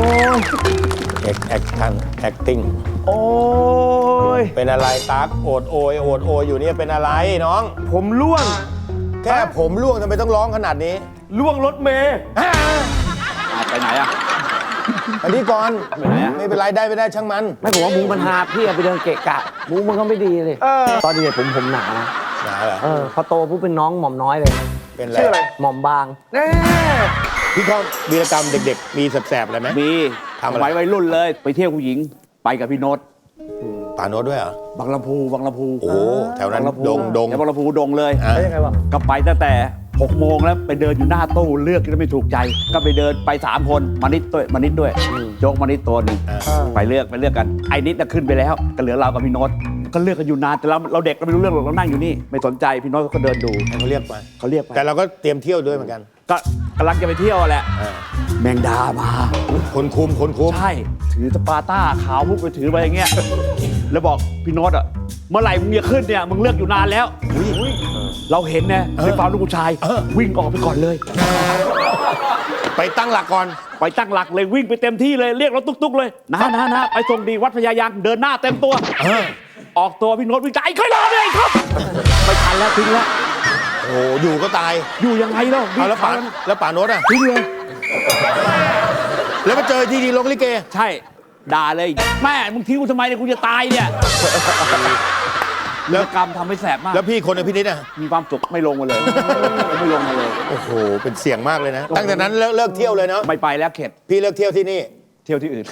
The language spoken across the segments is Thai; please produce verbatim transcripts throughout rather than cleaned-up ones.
ยแอคแอคชั่นแอคติ้งโอ้ยเป็นอะไรตั๊กโอดโอยโอดโอยอยู่เนี่ยเป็นอะไรน้องผมล่วงแค่ผมล่วงทำไมต้องร้องขนาดนี้ล่วงรถเมย์ไปไหนอ่ะอันนี้ก่อนไปไหนอะไม่เป็นไรได้ไม่ได้ช่างมันไม่ผมว่ามุ้งมันหาพี่เอาไปเดินเกะกะมุ้งมันก็ไม่ดีเลยเออตอนเด็กผมผมหนานะหนาเหรอเออพอโตปุ๊บเป็นน้องหม่อมน้อยเลยเป็นอะไรชื่ออะไรหม่อมบางแน่พี่เขาวีรกรรมเด็กๆ มีแสบๆอะไรไหมมีทำอะไรสมัยวัยรุ่นเลย ไปเที่ยวผู้หญิง ไปกับพี่โน้ตป่าโน้ตด้วยเหรอบางลำพูบางลำพูโอ้แถวนั้นบางลำพูดงดงแถวบางลำพูดงเลยอ่ะแล้วยังไงวะก็ไปตั้งแต่หกโมงแล้วไปเดินอยู่หน้าตู้เลือกที่ไม่ถูกใจ ก็ไปเดินไปสามคนมานิดด้วยมานิดด้วยโจ๊กมานิดตัวหนึ่งอ่ะไปเลือกไปเลือกกันไอ้นิดน่ะขึ้นไปแล้วก็เหลือเรากับพี่โน้ตก็เลือกกันอยู่นานแต่เราเราเด็กเราไม่รู้เรื่องหรอกเรานั่งอยู่นี่ไม่สนใจพี่โน้ตก็เดินดูให้เขาเรียกไปเขาเรียกไปแต่เราก็เตรียมเที่ยวด้วยเหมือนกันก็กำลังจะไปเที่ยวแหละอ่าแมงดามาคนคุมคนคุมใช่ ถือสปาร์ต้าขาวมุกไปถือไปอย่างเงี้ย แล้วบอกพี่โน้ตอ่ะ เมื่อไหร่มึงจะขึ้นเนี่ย มึงเลือกอยู่นานแล้ว เราเห็นนะในความลูกผู้ชาย วิ่งออกไปก่อนเลยไปตั้งหลักก่อนไปตั้งหลักเลยวิ่งไปเต็มที่เลย เรียกรถตุ๊กๆเลยนะนะนะไปส่งดีวัดพญายางเดินหน้าเต็มตัวเออออกตัวพี่โน้ตวิ่งไอ้ค่อยรอเลยครับ ไม่ทันแล้วทิ้งแล้วโอ้โหอยู่ก็ตายอยู่ยังไงเนาะเอาแล้วป่าแล้วป่าโน้ตอ่ะทิ้งเลยแล้วมาเจอที่ดีลงลิเกใช่ ด่าเลย แม่มึงทิ้งกูทำไมเนี่ยกูจะตายเนี่ยเลิกกรรมทำให้แสบมากแล้วพี่คนในพี่นิดอ่ะมีความสุขไม่ลงมาเลย ไม่ลงมาเลยโอ้โหเป็นเสี่ยงมากเลยนะ ตั้งแต่นั้นเลิกเลิกเที่ยวเลยเนาะไม่ไปแล้วเข็ดพี่เลิกเที่ยวที่นี่เที่ยวที่อื่น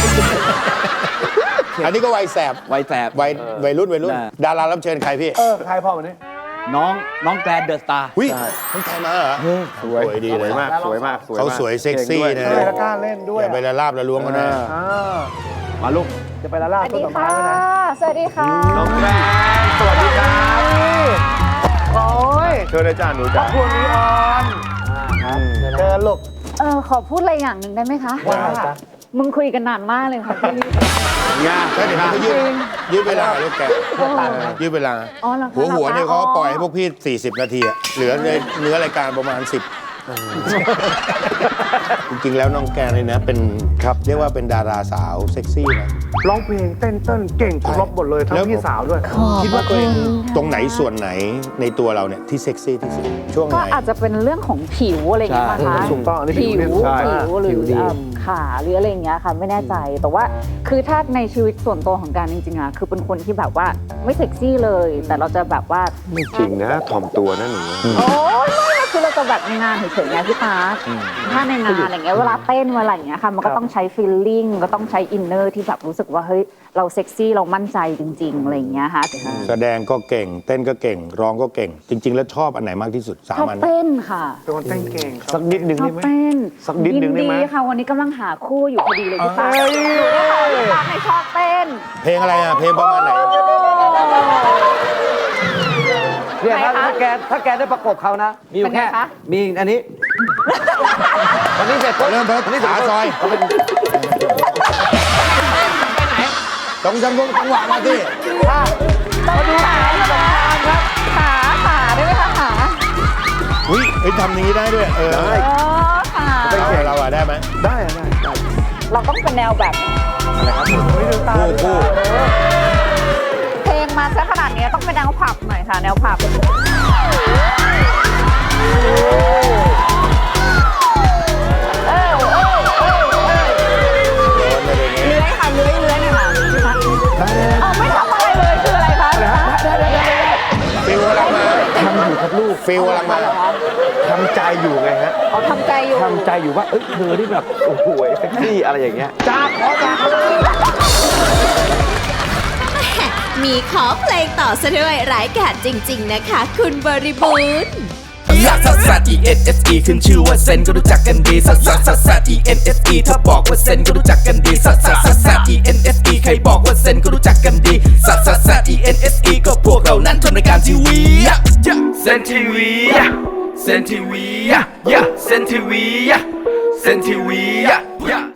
อันนี้ก็วัยแสบไว้แสบวัยวัยรุ่นวัยรุ่นได้ดารารับเชิญใครพี่เออใครพ่อวันนี้น้องน้องแกรนเดอะสตาร์หุ้ยต้องใครมาเหรอสวยสวยดีเลยมากสวยมากสวยเขาสวยเซ็กซี่นะใช่แล้วกล้าเล่นด้วยอย่าไปละลาบละล้วงกันนะอ่ามาลูกจะไปละลาบสวัสต้นดีดอกไม้ค่ะไว้นะสวัสดีค่ะน้องแม่สวัสดีครับโอ้ยเชิญเลยจ้าหนูจ้าพวกนี้ออนเดินลูกเออขอพูดอะไรอย่างหนึ่งได้ไหมคะว่ามึงคุยกันนานมากเลยค่ะพี่งาก็เดี๋ยวเขายืดยืดเวลาลูกแกยืดเวลาอ๋อเหรอคะหัวหัวเนี่ยหรเขาคะปล่อยให้พวกพี่ 40 นาทีอะเหลือในเนื้อรายการประมาณ สิบ จริงๆแล้วน้องแกเนี่ยนะเป็นครับเรียกว่าเป็นดาราสาวเซ็กซี่นะร้องเพลงเต้นเต้นเก่งครบหมดเลยทั้งแล้วพี่สาวด้วยคิดว่าตัวเองตรงไหนส่วนไหนในตัวเราเนี่ยที่เซ็กซี่ที่สุดช่วงไหก็นอาจจะเป็นเรื่องของผิวอะไรอย่างเงี้ยป่ะคะถูกต้องอันนี้ผิผิววผิใช่วหรือเอ่อขาหรืออะไรอย่างเงี้ยค่ะไม่แน่ใจแต่ว่าคือถ้าในชีวิตส่วนตัวของการจริงๆอะคือเป็นคนที่แบบว่าไม่เซ็กซี่เลย แต่เราจะแบบว่าไม่จริงนะถ่อมตัวนะหนูโอ้ยไม่คือเราจะแบบในงานเฉยๆไงพี่ตาถ้าในงานอะไรเงี้ยเวลาเต้นเวลาอย่างเงี้ยค่ะมันก็ต้องใช้ฟีลลิ่งก็ต้องใช้อินเนอร์ที่แบบรู้สึกว่าเฮ้ยเราเซ็กซี่เรามั่นใจจริงๆอะไรอย่างเงี้ยค่ะแสดงก็เก่ง เต้นก็เก่ง ร้องก็เก่ง จริง ๆ แล้วชอบอันไหนมากที่สุดสาชมอบอันเต้นค่ะเป็นคนเต้นเก่งสักนิดหนึ่งชอได้บไหมเต้นสักนิดหนึ่งได้ไหมยิค่ะวันนี้กำลังหาคู่อยู่พอดีเลยพี่ตาเอ้ยพี่ตาพี่ตาในชอบเต้นเพลงอะไรอ่ะ เพลงประมาณไหนเนี่ยถ้าไหนคะถ้าแกถ้าแกได้ประกบเขานะ มีอยู่เป็นไงแค่คะมีอันนี้วันนี้เสร็จปุ๊บเริ่มเพิ่มวันนี้เสร็จขาปุ๊บซอยเขาเป็นตรงจังหวะจังหวะมาที่ต้องดูขาครับขาขาได้ไหมคะขาอุ้ยเฮ้ยทำอย่างนี้ได้ด้วย เออเออขาเราเราอะได้ไหมได้อะได้ได้เราต้องเป็นแนวแบบไม่ดูตาคู่คู่เพลงมาซะขนาดนี้ต้องเป็นแนวผับหน่อยค่ะแนวผับเออเออเออเออโดนอะไรอย่างเงี้ยเลื้อยค่ะเลื้อยเลื้อยหน่อยค่ะพี่คะเอาไม่ทำอะไรเลยคืออะไรคะได้ได้ได้ได้ฟิลกำลังมาทำอยู่ครับลูกฟิลกำลังมาทำใจอยู่ไงฮะเขาทำใจอยู่ทำใจอยู่ว่าเอ้ยเธอที่แบบโอ้โหเซ็กซี่อะไรอย่างเงี้ยจ้าขอจ้ามีขอเพลงต่อซะด้วยร้ายกาจจริง ๆ นะคะ คุณบริบูรณ์ลักซัสซัส E N S E ขึ้นชื่อว่าเซนก็รู้จักกันดีซัสซัสซัสซัส E N S E ถ้าบอกว่าเซนก็รู้จักกันดีซัสซัสซัสซัส E N S E ใครบอกว่าเซนก็รู้จักกันดีซัสซัสซัส E N S E ก็พวกเรานั้นทำรายการทีวีเซนทีวีเซนทีวีเซนทีวีเซนทีวี